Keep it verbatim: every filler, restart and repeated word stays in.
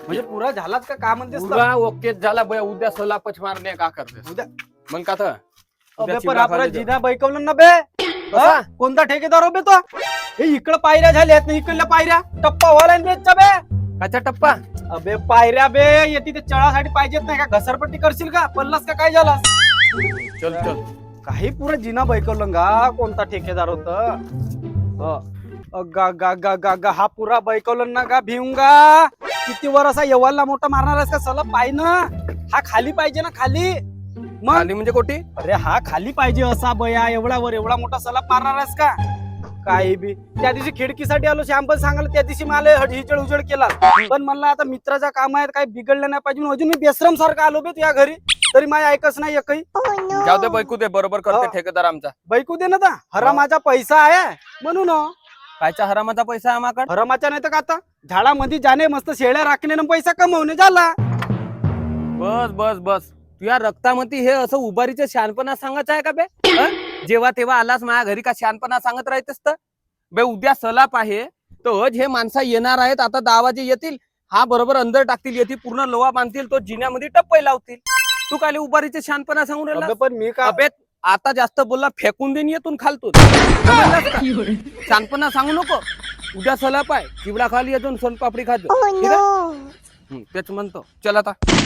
म्हणजे पुरा झालाच का का म्हणतेस तर? पुरा ओके झाला बया. उद्या सलापच मारणे का करते उद्या मग का तर अबे पण चिवडा आपण खाली जिना बैकवलं ना बे. हा? कोणता ठेकेदार हो बे तो? हे इकडं पायऱ्या झाल्यात ना इकडल्या पायऱ्या टप्पा व्हायला बेच्या बे. काचा टप्पा अबे पायऱ्या बे येते ते चढासाठी पाहिजेत नाही का? घसरपट्टी करशील का? पल्लास का काय झाला? चल चल काही पुरा जिना बैकवलं का? कोणता ठेकेदार होत? गा गा गा गा गा हा पुरा बैकवलं ना का भिऊंगा? किती वर असा यवाला मोठा मारणार आहेस का? सला पाय ना हा खाली पाहिजे ना खाली. मग खाली म्हणजे कोटी अरे हा खाली पाहिजे असा बया एवढा वर एवढा मोठा सलाब मारणार आहेस का? काही बी त्या दिवशी खिडकीसाठी आलो शॅम्पल सांगायला त्या दिवशी मला हिजड उजड केला पण म्हणलं आता मित्राचा काम आहे काही बिघडलं नाही पाहिजे अजून मी बेसरम सारखा आलो बे तुझ्या घरी तरी माझ्या ऐकच नाही एकही. जाऊ दे बैकू दे बरोबर करते हा. ठेकेदार आमचा. बैकू दे ना ता हरामाचा पैसा आहे म्हणून हो. कायचा हरामाचा पैसा आम्हाकडे हरामाचा नाही तर का आता झाडामध्ये जाणे मस्त शेळ्या राखणे आणि पैसा कमवणे झाला. बस बस बस तुझ्या रक्तामध्ये हे असं उभारीचं शहाणपणा सांगायचं आहे का बे? हं? जेव्हा तेव्हा आलास माझ्या घरी का शहाणपणा सांगत राहतेस तर बे उद्या सलाप आहे तर हे माणसं येणार आहेत आता दहा वाजे येतील हा बरोबर अंदर टाकतील येतील पूर्ण लोहा बांधतील तो जिन्यामध्ये टप्पे लावतील तू काय उभारीचे शहाणपणा सांगून राहिला अबे पण मी का अबे आता जास्त बोलला फेकून देईन येतून खालतून समजलास का? शहाणपणा सांगू नको उद्या सलाप आहे चिवडा खाली अजून सोनपापडी खातो ठीक आहे? हं, तेच म्हणतो चल आता